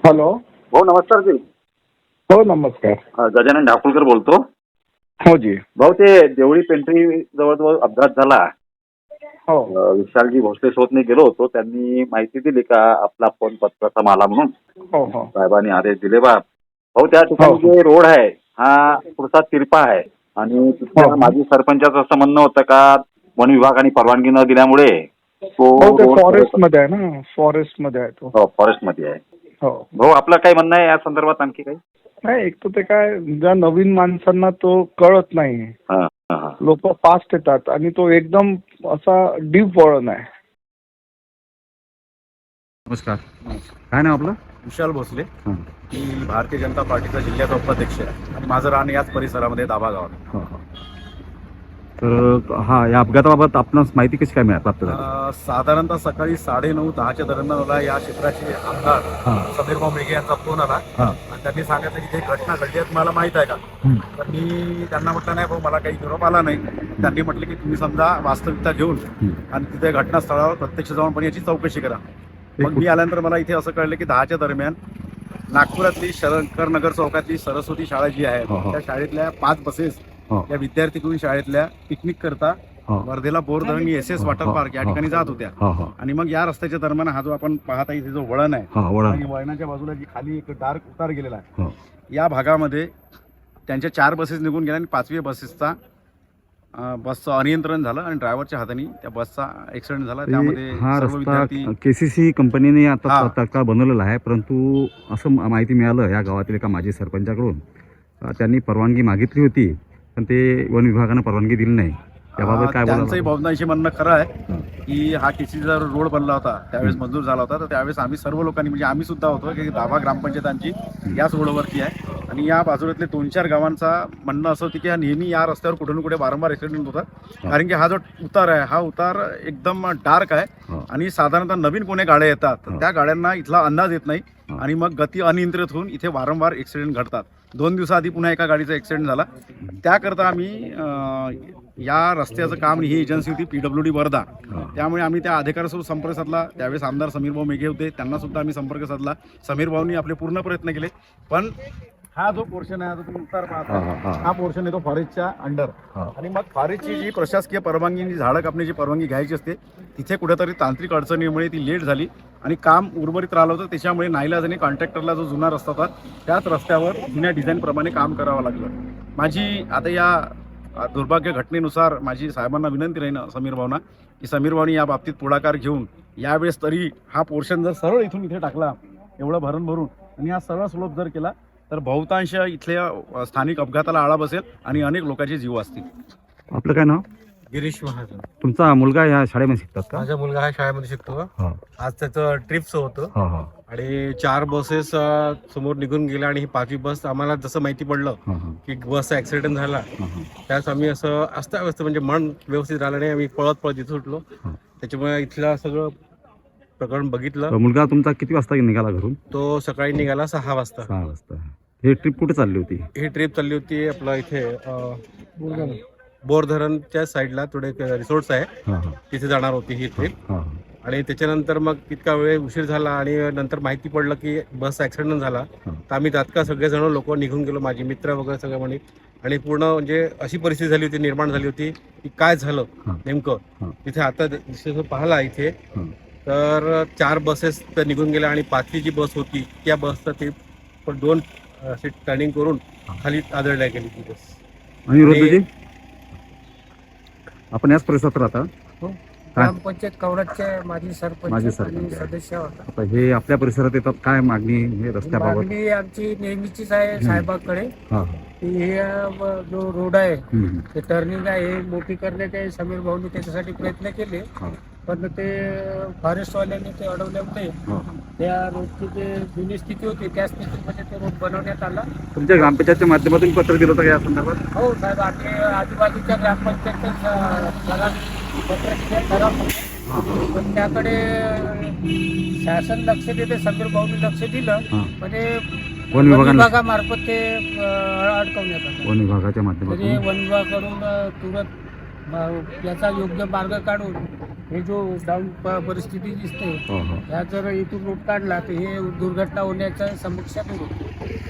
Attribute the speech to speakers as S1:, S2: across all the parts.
S1: Hello.
S2: भाऊ नमस्कार जी.
S1: हो नमस्कार.
S2: गजानन ढाकुळकर बोलतो.
S1: हो जी.
S2: भाऊ ते देवळी पेंट्री जवळ अपघात झाला.
S1: हो
S2: विशालजी भोसले सोबतने गेलो होतो. त्यांनी माहिती दिली का आपला फोन पत्राचा माला म्हणून
S1: हो हो
S2: साहेबांनी आदेश दिले बा. भाऊ त्या ठिकाणी
S1: हो.
S2: जे रोड आहे हा पुढचा तिरपा आहे आणि तिथल्या माजी सरपंचाचं असं म्हणणं होतं का वन विभागाने परवानगी न दिल्यामुळे तो
S1: हो ते
S2: रोड
S1: फॉरेस्ट मध्ये आहे ना, फॉरेस्ट मध्ये आहे तो.
S2: फॉरेस्ट मध्ये आहे.
S1: हो.
S2: भाऊ आपलं काय म्हणणं आहे या संदर्भात आणखी काही?
S1: नाही, एक तर ते काय ज्या नवीन माणसांना तो कळत नाही.
S2: हा, हा, हा.
S1: लोक फास्ट येतात आणि तो एकदम असा डीप वळण आहे.
S3: नमस्कार, काय नाव आपलं?
S4: विशाल भोसले.
S3: हां.
S4: मी भारतीय जनता पार्टीचा जिल्ह्याचा उपाध्यक्ष आहे आणि माझं राहणं याच परिसरामध्ये दाभा गावात.
S3: हो हो. तर हा या अपघाताबाबत आपणास माहिती कशी काय प्राप्त झाली?
S4: साधारणतः सकाळी 9:30-10च्या दरम्यान मला या क्षेत्राचे आमदार
S3: हां.
S4: समीरभाऊ मेघे यांचा फोन आला
S3: हां.
S4: आणि त्यांनी सांगितलं की ते घटना घडली आहे, मला माहीत आहे का?
S3: हं.
S4: तर मी त्यांना म्हटलं नाही भाऊ, मला काही निरोप आला नाही. त्यांनी म्हटलं की तुम्ही समजा वास्तविकता घेऊन आणि तिथे घटनास्थळावर प्रत्यक्ष जाऊन पण याची चौकशी करा. मग मी आल्यानंतर मला इथे असं कळलं की 10च्या दरम्यान नागपुरातली शंकरनगर चौकातली सरस्वती शाळा जी आहे
S3: हो, हो.
S4: त्या शाळेतल्या 5 बसेस
S3: हो.
S4: या विद्यार्थी शाळेतल्या पिकनिक करता
S3: हो.
S4: वर्धेला बोरधरण SS वॉटर पार्क या ठिकाणी जात होत्या.
S3: हो हो.
S4: आणि मग या रस्त्याच्या दरम्यान हा जो आपण पाहता इथे जो वळण आहे
S3: हा वळण.
S4: आणि वळणाच्या बाजूला जी खाली एक डार्क उतार गेलेला आहे
S3: हो.
S4: या भागामध्ये त्यांच्या 4 बसेस निघून गेल्या आणि 5वी बसेसचा बसचं अनियंत्रण झालं आणि ड्रायव्हरच्या हाताने त्या बसचा ऍक्सिडेंट झाला. त्यामध्ये
S3: हा
S4: सर्व
S3: रस्ता
S4: विद्यार्थी
S3: KCC कंपनीने आता
S4: हां.
S3: तात्काळ बनवलेला आहे, परंतु असं माहिती मिळालं या गावातील एका माजी सरपंचाकडून त्यांनी परवानगी मागितली होती पण ते वन विभागानं परवानगी दिली नाही. त्याबाबत काय
S4: त्यांचंही
S3: बोलायचं?
S4: बहुतांशी म्हणणं खरं आहे
S3: हां.
S4: की हा KCCचा रोड बनला होता त्यावेळेस मंजूर झाला होता. तर त्यावेळेस आम्ही सर्व लोकांनी म्हणजे आम्ही सुद्धा होतो की दाभा ग्रामपंचायत आमची याच रोडवरती आहे आणि या बाजूलातले 2-4 गावांचा म्हणणं असं होतं की हा नेहमी या रस्त्यावर कुठे ना कुठे वारंवार ऍक्सिडेंट होतात. कारण की हा जो उतार आहे हा उतार एकदम डार्क आहे
S3: हां.
S4: आणि साधारणतः नवीन कोणी गाड्या येतात तर
S3: हां.
S4: त्या गाड्यांना इथला अंदाज येत नाही
S3: हां.
S4: आणि मग गती अनियंत्रित होऊन इथे वारंवार ऍक्सिडेंट घडतात. 2 दिवसाआधी पुन्हा एका गाडीचा ऍक्सिडेंट झाला. त्याकरता आम्ही या रस्त्याचं काम ही एजन्सी होती PWD वर्धा.
S3: हां.
S4: त्यामुळे आम्ही त्या अधिकाऱ्यासोबत संपर्क साधला. त्यावेळेस आमदार समीरभाऊ मेघे होते, त्यांना सुद्धा आम्ही संपर्क साधला. समीरभाऊंनी आपले पूर्ण प्रयत्न केले पण हा जो पोर्शन आहे, जो तुम्ही उत्तर पाहता
S3: हां, हां.
S4: हा पोर्शन येतो फॉरेस्टच्या अंडर.
S3: हां.
S4: आणि मग फॉरेस्टची जी प्रशासकीय परवानगी जी झाडं कापण्याची परवानगी घ्यायची असते तिथे कुठेतरी तांत्रिक अडचणीमुळे ती लेट झाली आणि काम उर्वरित राहिलं होतं. त्याच्यामुळे नाईलाजाने कॉन्ट्रॅक्टरला जो जुना रस्ता होता त्याच रस्त्यावर जुन्या डिझाईनप्रमाणे काम करावं लागलं. माझी आता या दुर्भाग्य घटनेनुसार माझी साहेबांना विनंती राहील समीर भाऊंना की समीर भाऊनी या बाबतीत पुढाकार घेऊन यावेळेस तरी हा पोर्शन जर सरळ इथून इथे टाकला एवढं भरून भरून आणि हा सरळ स्लोप जर केला तर बहुतांश इथल्या स्थानिक अपघाताला आळा बसेल आणि अनेक लोकांचे जीव असतील.
S3: आपलं काय नाव?
S5: गिरीश महाजन.
S3: तुमचा मुलगा या शाळेमध्ये शिकतात का?
S5: माझा मुलगा हा शाळेमध्ये शिकतो.
S3: हां.
S5: आज त्याचं ट्रिपचं होतं
S3: हां हां.
S5: आणि 4 बसेस समोर निघून गेल्या आणि ही 5वी बस आम्हाला जसं माहिती पडलं
S3: हां हां.
S5: की बसचा ऍक्सिडेंट झाला
S3: हां हां.
S5: त्यास आम्ही असं अस्ताव्यस्त म्हणजे मन व्यवस्थित राहिलं नाही. आम्ही पळत पळत इथं सुटलो.
S3: हां.
S5: त्याच्यामुळे इथलं सगळं प्रकरण बघितलं.
S3: तर मुलगा तुमचा किती वाजता निघाला घरून?
S5: तो सकाळी निघाला 6 वाजता.
S3: 6 वाजता. हे ट्रिप कुठे चालली होती?
S5: ही ट्रिप चालली होती आपलं इथे बोरधरणच्या साईडला थोडे रिसोर्ट्स आहे
S3: हां हां.
S5: तिथे जाणार होती ही ट्रिप.
S3: हां
S5: आणि त्याच्यानंतर मग इतका वेळ उशीर झाला आणि नंतर माहिती पडलं की बस ऍक्सिडेंट झाला.
S3: हां.
S5: तर आम्ही तात्काळ सगळेजण लोक निघून गेलो, माझी मित्र वगैरे सगळे म्हणे. आणि पूर्ण म्हणजे अशी परिस्थिती झाली होती, निर्माण झाली होती की काय झालं
S3: हां.
S5: नेमकं.
S3: हां.
S5: तिथे आता जसं पाहिला इथे
S3: हां.
S5: तर 4 बसेस तर निघून गेल्या आणि 5वी जी बस होती त्या बसचं ते पण 2 असे टर्निंग करून खाली आदळल्या गेली ती बस.
S3: आणि रोजी आपण याच परिसरात राहता?
S6: हो.
S3: काय?
S6: ग्रामपंचायत कवडाचे माजी
S3: माजी
S6: सरपंच
S3: सरपंच
S6: आणि
S3: आहे.
S6: सदस्य होता.
S3: आता हे आपल्या परिसरात येतात, काय मागणी हे रस्त्याबाबत?
S6: मागणी आमची नेहमीचीच आहे साहेबाकडे
S3: हां
S6: की हे जो रोड आहे
S3: हां.
S6: ते टर्निंग आहे हे मोठी करण्याचे समीर भाऊनी त्याच्यासाठी प्रयत्न केले
S3: हां.
S6: पण ते फॉरेस्टवाल्यांनी ते अडवल्यामुळे
S3: हां.
S6: त्या रोडची जे जुनी स्थिती होती त्या स्थितीमध्ये ते रोड बनवण्यात आला.
S3: तुमच्या ग्रामपंचायतच्या माध्यमातून पत्र दिलं होतं का या संदर्भात?
S6: हो साहेब, आम्ही आजूबाजूच्या ग्रामपंचायत पत्र दिले ठराव केले. पण त्याकडे शासन लक्ष देते, समीर भाऊनी लक्ष दिलं
S3: हां.
S6: म्हणजे
S3: वन
S6: विभागामार्फत ते अडकवण्यात आलं.
S3: वन विभागाच्या
S6: तरी
S3: माध्यमातून
S6: वन विभागाकडून तुरंत याचा योग्य मार्ग काढून हे जो डाऊन परिस्थिती दिसते
S3: हो हो
S6: ह्या जर इथून रूट काढला तर हे दुर्घटना होण्याच्या समस्या दूर होते.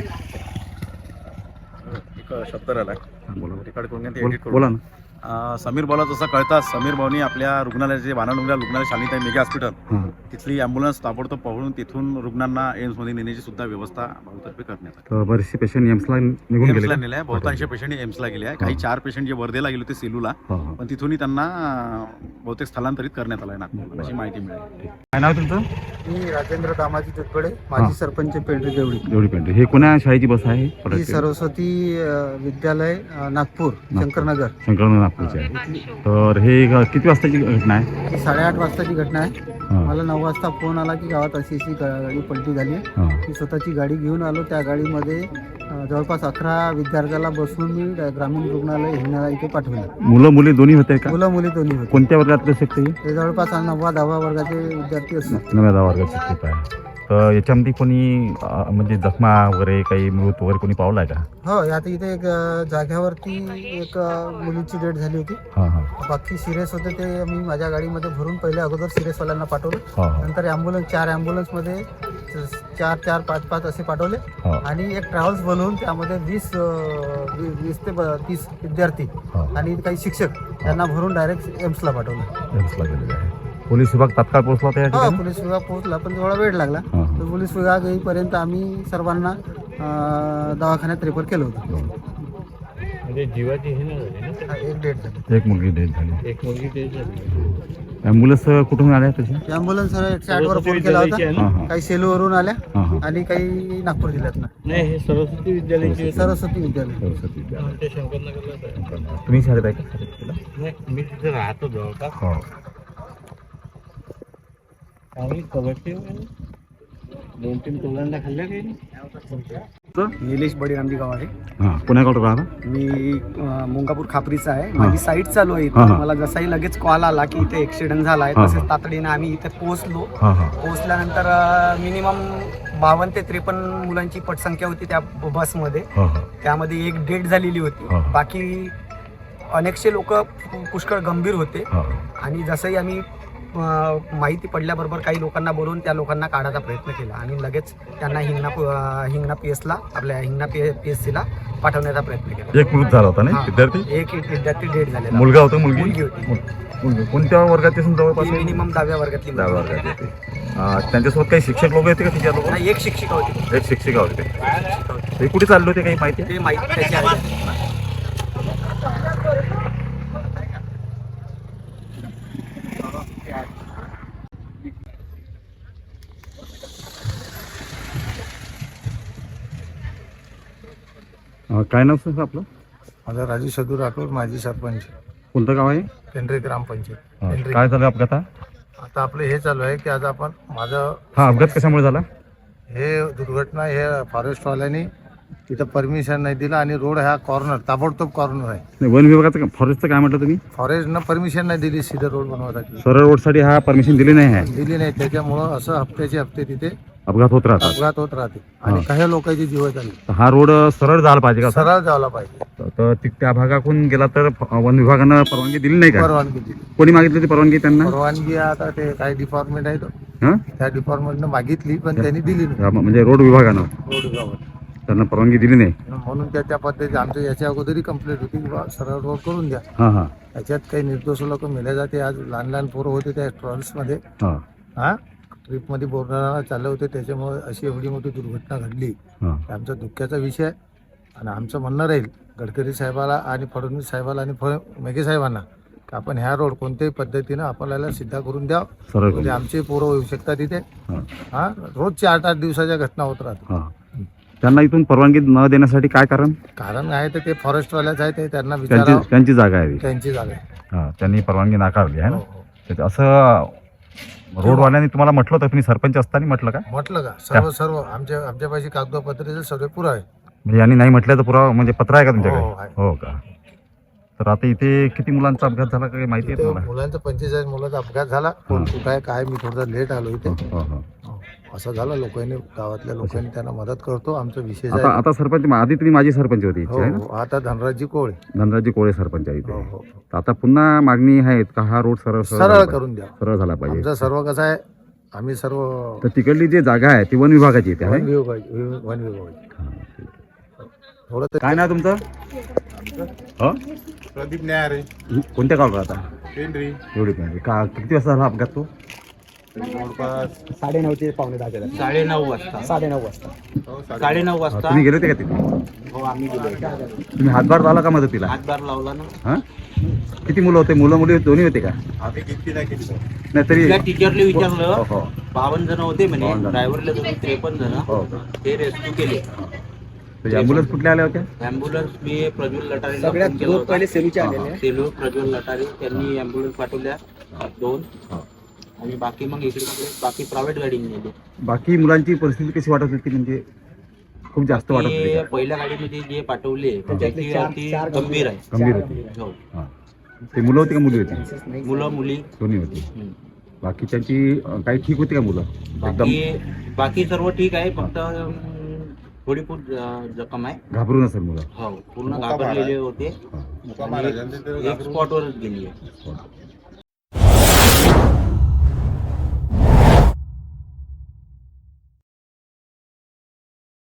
S4: एक शब्द राहिला
S3: बोला
S4: रेकॉर्ड करून घ्या, ते edit करून
S3: बोला ना.
S4: समीर भाऊला जसं कळताच समीर भाऊनी आपल्या रुग्णालयाचे वानाडोंगरा रुग्णालय शालिताई मेगा हॉस्पिटल
S3: हां
S4: तिथली ॲम्ब्युलन्स ताबडतोब पकडून तिथून रुग्णांना एम्समध्ये नेण्याची सुद्धा व्यवस्था भाऊतर्फे करण्यात आली.
S3: तर बरेचसे पेशंट एम्सला निघून गेले
S4: एम्सला
S3: का?
S4: नेले आहे, बहुतांश पेशंट एम्सला गेले आहे. काही 4 पेशंट जे वर्धेला गेले होते सेलूला,
S3: हो हो
S4: पण तिथूनही त्यांना बहुतेक स्थलांतरित करण्यात आलं आहे नागपूरला, अशी माहिती मिळाली.
S3: काय नाव तुमचं?
S7: मी राजेंद्र दामाजी तुटकडे
S3: हा.
S7: माजी सरपंच पेंढरी देवळी.
S3: एवढी पेंट हे कोण्या शाळेची बस आहे?
S7: ही सरस्वती विद्यालय नागपूर शंकरनगर.
S3: शंकरनगर नागपूरची आहे. तर हे किती वाजताची घटना आहे?
S7: ही 8:30 वाजताची घटना आहे.
S3: हां
S7: मला 9 वाजता फोन आला की गावात अशी गाडी पलटी झाली आहे.
S3: हां
S7: मी स्वतःची गाडी घेऊन आलो. त्या गाडीमध्ये जवळपास 11 विद्यार्थ्याला बसवून मी ग्रामीण रुग्णालय हिंगणा इथे पाठवलं.
S3: मुलं मुली दोन्ही होते का?
S7: मुलं मुली दोन्ही होते.
S3: कोणत्या वर्गातले शिक्षक हे?
S7: ते जवळपास 9वा 10वा वर्गाचे विद्यार्थी असतात.
S3: 9व्या 10 वर्गाचे शिक्षक आहे. तर याच्यामध्ये कोणी म्हणजे जखमा वगैरे काही मृत वगैरे कोणी पावला आहे का?
S7: हो, आता इथे एक जाग्यावरती एक मुलीची डेथ झाली होती.
S3: हां हां
S7: बाकी सिरियस होते ते मी माझ्या गाडीमध्ये भरून पहिले अगोदर सिरियसवाल्यांना पाठवलं.
S3: हां हां
S7: नंतर ॲम्ब्युलन्स 4 ॲम्ब्युलन्समध्ये 4 5 असे पाठवले
S3: हां
S7: आणि एक ट्रॅव्हल्स बोलवून त्यामध्ये 20 ते 30 विद्यार्थी
S3: हां
S7: आणि काही शिक्षक यांना भरून डायरेक्ट एम्सला पाठवलं.
S3: एम्सला गेलेले आहे. पोलीस विभाग तात्काळ पोहोचला त्या
S7: हो,
S3: ठिकाणी?
S7: पोलीस विभाग पोहोचला पण थोडा वेळ लागला.
S3: हां
S7: तर पोलीस विभाग येईपर्यंत आम्ही सर्वांना दवाखान्यात रेफर केलं होतं.
S5: म्हणजे जीवाची हे नाही झाली ना,
S7: हा, एक डेट झाली.
S3: एक मुलगी डेथ झाली.
S5: एक मुलगी ते झाली.
S3: ॲम्ब्युलन्स कुठून आल्या तशी?
S7: ॲम्ब्युलन्स 108 वर फोन केला होता.
S3: हां हां
S7: काही सेलूवरून आल्या
S3: हां हां
S7: आणि काही नागपूर जिल्ह्यातनं.
S5: नाही, हे सरस्वती विद्यालयाची
S7: सरस्वती विद्यालय.
S3: सरस्वती विद्यालय.
S5: ते शंकरनगरलाच आहे.
S3: तुम्ही शाळेत आहे का? शाळेत?
S5: नाही, मी तिथे राहतो जवळपास.
S3: हो
S5: चांगली कबड्डी 2-3 तोलांना खाल्ल्या काही नाही.
S8: निलेश बळीरामजी गावाडे.
S3: हां पुण्याकडे राहता?
S8: मी मुंगापूर खापरीचा आहे. माझी साईट चालू आहे
S3: हा,
S8: इथे.
S3: हा.
S8: मला जसाही लगेच कॉल आला की इथे ॲक्सिडेंट झाला आहे,
S3: हा,
S8: तसेच
S3: हा.
S8: तातडीने आम्ही इथे पोहोचलो.
S3: हां हां
S8: पोहोचल्यानंतर मिनिमम 52 ते 53 मुलांची पटसंख्या होती त्या बसमध्ये.
S3: हां हां
S8: त्यामध्ये एक डेथ झालेली होती.
S3: हा, हा.
S8: बाकी अनेकशे लोक पुष्कळ गंभीर होते.
S3: हां
S8: आणि जसंही आम्ही माहिती पडल्याबरोबर काही लोकांना बोलवून त्या लोकांना काढायचा प्रयत्न केला आणि लगेच त्यांना हिंगणा PS आपल्या हिंगणा PSCला पाठवण्याचा प्रयत्न केला.
S3: एक मृत झाला होता नाही
S8: हां.
S3: विद्यार्थी?
S8: एक विद्यार्थी डेथ झालेला.
S3: मुलगा होता मुलगी?
S8: मुलगी होती.
S3: मुलगी कोणत्या वर्गाचे असून जवळपास?
S8: मिनिमम 10व्या वर्गातली मुलगी.
S3: 10 वर्गाचे होते. त्यांच्यासोबत काही शिक्षक लोक होते का तिच्या लोक?
S8: नाही, एक शिक्षिका होती.
S3: एक शिक्षिका होते. ते कुठे चालले होते काही माहिती आहे?
S8: ते माहिती त्याची आहे.
S3: काय नाव सर आपलं?
S7: माझा राजू सदू राठोड, माजी सरपंच,
S3: कोणतं गाव आहे?
S7: पेंढरी ग्रामपंचायत.
S3: हां.
S7: पेंढरी.
S3: काय झालं अपघात?
S7: आता आपलं हे चालू आहे की आज आपण माझं
S3: हा अपघात कशामुळे झाला?
S7: हे दुर्घटना हे फॉरेस्टवाल्यांनी तिथं परमिशन नाही दिलं आणि रोड हा कॉर्नर ताबडतोब कॉर्नर आहे.
S3: नाही, वन विभागाचं फॉरेस्टचं काय म्हटलं तुम्ही?
S7: फॉरेस्टनं परमिशन नाही दिली सीधा रोड बनवण्यासाठी.
S3: सरळ रोडसाठी हा परमिशन दिली नाही आहे.
S7: दिली नाही, त्याच्यामुळं असं हप्त्याचे हप्ते तिथे
S3: अपघात होत राहतात.
S7: अपघात होत राहते आणि
S3: हा.
S7: काही लोकांची जीव झाली.
S3: तर हा रोड सरळ झाला पाहिजे का?
S7: सरळ जायला पाहिजे.
S3: तर त्या भागातून गेला तर वन विभागानं परवानगी दिली नाही का?
S7: परवानगी दिली.
S3: कोणी मागितली ती परवानगी त्यांना?
S7: परवानगी आता ते काही डिपार्टमेंट आहे
S3: हां
S7: त्या डिपार्टमेंटनं मागितली पण त्यांनी दिली नाही.
S3: म्हणजे रोड विभागानं
S7: रोड विभागावर.
S3: त्यांना परवानगी दिली नाही.
S7: म्हणून त्या पद्धतीने आमच्या याच्या अगोदरही कंप्लेंट होती की बा सरळ रोड करून द्या.
S3: हां हां
S7: याच्यात काही निर्दोष लोक मेले जाते. आज लहान लहान पोरं होते त्या ट्रॅव्हल्समध्ये,
S3: हां
S7: हा ट्रिपमध्ये बोरणारा चालले होते, त्याच्यामुळे अशी एवढी मोठी दुर्घटना घडली.
S3: हां
S7: आमचा दुःखाचा विषय आहे आणि आमचं म्हणणं राहील गडकरी साहेबाला आणि फडणवीस साहेबाला आणि मेघे साहेबांना की आपण ह्या रोड कोणत्याही पद्धतीनं आपल्याला सिद्धा करून द्या.
S3: सरळ
S7: म्हणजे आमचे पोरं होऊ शकतात तिथे.
S3: हां
S7: हा रोज 8-8 दिवसाच्या घटना होत राहतात.
S3: हां त्यांना इथून परवानगी न देण्यासाठी काय कारण?
S7: कारण आहे तर ते फॉरेस्टवाल्याच आहे, ते त्यांना विचारावं.
S3: त्यांची जागा आहे ती.
S7: त्यांची जागा आहे.
S3: हां त्यांनी परवानगी नाकारली आहे ना.
S7: हो, हो.
S3: तर असं रोडवाल्यांनी तुम्हाला म्हटलं होतं, तुम्ही सरपंच असताना म्हटलं का?
S7: म्हटलं का सर्व आमच्यापाशी कागदपत्राचे सर्व पुरावे आहे.
S3: म्हणजे यांनी नाही म्हटल्याचं पुरावा म्हणजे पत्र आहे का तुमच्याकडे?
S7: हो, आहे.
S3: हो का? तर आता इथे किती मुलांचा अपघात झाला काही माहिती आहे
S7: इथे
S3: तुम्हाला?
S7: मुलांचा 45 मुलांचा अपघात झाला. कोण कुठं आहे काय, मी थोडं लेट आलो इथे.
S3: हो हो
S7: हो. असं झालं. लोकांनी गावातल्या लोकांनी त्यांना मदत करतो. आमचा विशेष
S3: आता
S7: आहे.
S3: आता सरपंच आधी तुम्ही माजी सरपंच होते इथे
S7: हो
S3: आहे ना?
S7: हो. आता धनराजी कोळे.
S3: धनराजी कोळे सरपंच आहे
S7: हो
S3: इथे.
S7: हो.
S3: तर आता पुन्हा मागणी आहे का हा रोड सरळ
S7: सरळ करून द्या.
S3: सरळ झाला पाहिजे.
S7: आमचं सर्व कसं आहे, आम्ही सर्व
S3: तर तिकडली जी जागा आहे ती वन विभागाची इथे आहे.
S7: वन विभागाची. थोडं ते
S3: काय नाव तुमचं? हो
S5: प्रदीप न्यारे
S3: कोणत्या गावाला राहता?
S5: पेंढरी
S3: एवढी पण का किती वाजता झाला अपघात तो?
S5: जवळपास
S8: 9:30 ते 9:10.
S6: 9:30 वाजता
S8: 9:30 वाजता.
S6: 9:30 वाजता
S3: तुम्ही गेले होते का तिथे?
S6: हो आम्ही गेलो.
S3: तुम्ही हातभार लावला का मदतीला?
S6: हातभार लावला ना.
S3: हा किती मुलं होते? मुलं मुली दोन्ही होते का?
S5: आम्ही किती नाही केली
S3: नाही तरी
S6: त्या टीचरले
S3: हो
S6: विचारलं
S3: हो
S6: 52 जण होते म्हणे.
S3: 52 जण.
S6: ड्रायव्हरला धरून 53 जण.
S3: हो
S6: ते रेस्क्यू केले.
S3: तर ॲम्ब्युलन्स कुठल्या आल्या होत्या?
S6: ॲम्ब्युलन्स मी प्रज्वल लटारेला
S8: सगळ्यात
S6: फोन केला
S8: दोन
S6: होता.
S8: पहिले सेलूचे आलेले आहे.
S6: सेलू प्रज्वल लटारे त्यांनी ॲम्ब्युलन्स पाठवल्या 2
S3: हा.
S6: आणि बाकी मग इकडे बाकी प्रायव्हेट गाडीने नेले.
S3: बाकी मुलांची परिस्थिती कशी वाटत होती? म्हणजे खूप जास्त वाटत होती
S6: ते
S3: का?
S6: पहिल्या गाडीमध्ये जे पाठवले त्याची अति गंभीर आहे.
S3: गंभीर होती.
S6: हो.
S3: हा. ते मुलं होती का मुली होती?
S6: मुलं मुली
S3: दोन्ही होती.
S6: हम्म.
S3: बाकीच्यांची काही ठीक होती का मुलं? एकदम
S6: बाकी सर्व ठीक आहे. फक्त थोडी खूप जखम आहे.
S3: घाबरून असेल मुलं.
S6: हो पूर्ण घाबरलेले होते.
S3: हा.
S6: आणि एक स्पॉटवरच गेली आहे.